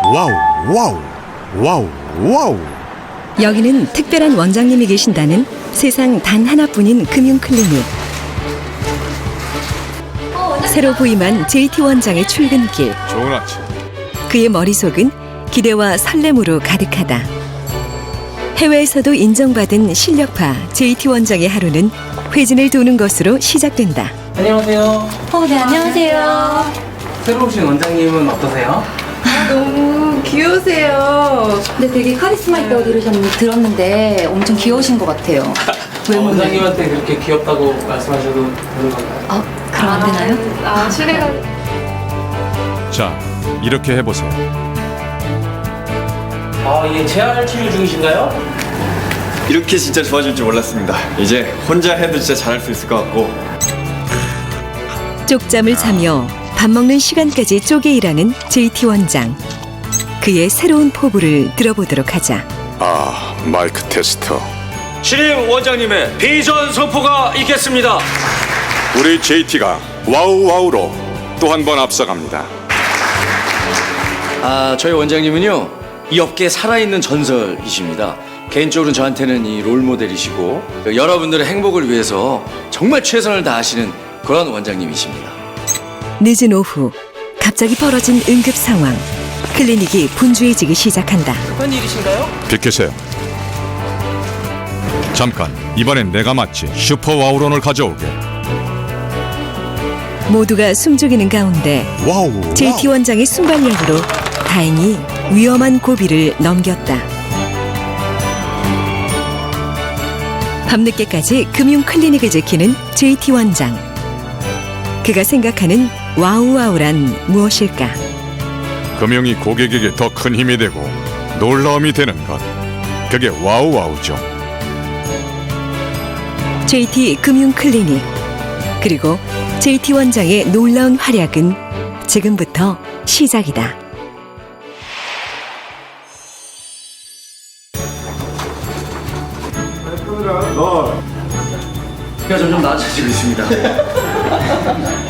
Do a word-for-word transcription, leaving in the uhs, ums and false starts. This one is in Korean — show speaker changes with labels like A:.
A: 와우 와우 와우 와우.
B: 여기는 특별한 원장님이 계신다는 세상 단 하나뿐인 금융클리닉. 새로 부임한 제이티 원장의 출근길.
A: 좋은 아침.
B: 그의 머릿속은 기대와 설렘으로 가득하다. 해외에서도 인정받은 실력파 제이티 원장의 하루는 회진을 도는 것으로 시작된다.
C: 안녕하세요.
D: 어, 네, 안녕하세요.
C: 새로 오신 원장님은 어떠세요?
D: 너무 귀여우세요. 근데 되게 카리스마 있다고 들으셨, 들었는데 엄청 귀여우신 것 같아요.
C: 어,
D: 외모는.
C: 원장님한테 그렇게 귀엽다고 말씀하셔도 되는 건가요?
D: 아, 그럼 안 되나요?
E: 아, 실례가.
A: 자, 이렇게 해보세요.
C: 아, 예, 재활 치료 중이신가요?
F: 이렇게 진짜 좋아질 줄 몰랐습니다. 이제 혼자 해도 진짜 잘할 수 있을 것 같고.
B: 쪽잠을 자며 밥 먹는 시간까지 쪼개 일하는 제이티 원장. 그의 새로운 포부를 들어보도록 하자.
A: 아, 마이크 테스터.
G: 신임 원장님의 비전 선포가 있겠습니다.
A: 우리 제이티가 와우 와우로 또 한 번 앞서갑니다.
G: 아, 저희 원장님은요, 이 업계에 살아있는 전설이십니다. 개인적으로는 저한테는 이 롤모델이시고 여러분들의 행복을 위해서 정말 최선을 다하시는 그런 원장님이십니다.
B: 늦은 오후 갑자기 벌어진 응급 상황. 클리닉이 분주해지기 시작한다.
C: 급한 일이신가요?
A: 비키세요. 잠깐, 이번엔 내가 마치 슈퍼 와우론을 가져오게.
B: 모두가 숨죽이는 가운데
A: 와우.
B: 제이티
A: 와우.
B: 원장의 순발력으로 다행히 위험한 고비를 넘겼다. 밤늦게까지 금융 클리닉을 지키는 제이티 원장. 그가 생각하는 와우와우란 무엇일까?
A: 금융이 고객에게 더 큰 힘이 되고 놀라움이 되는 것. 그게 와우와우죠.
B: 제이티 금융 클리닉. 그리고 제이티 원장의 놀라운 활약은 지금부터 시작이다.
G: 제가 점점 나아지고 있습니다.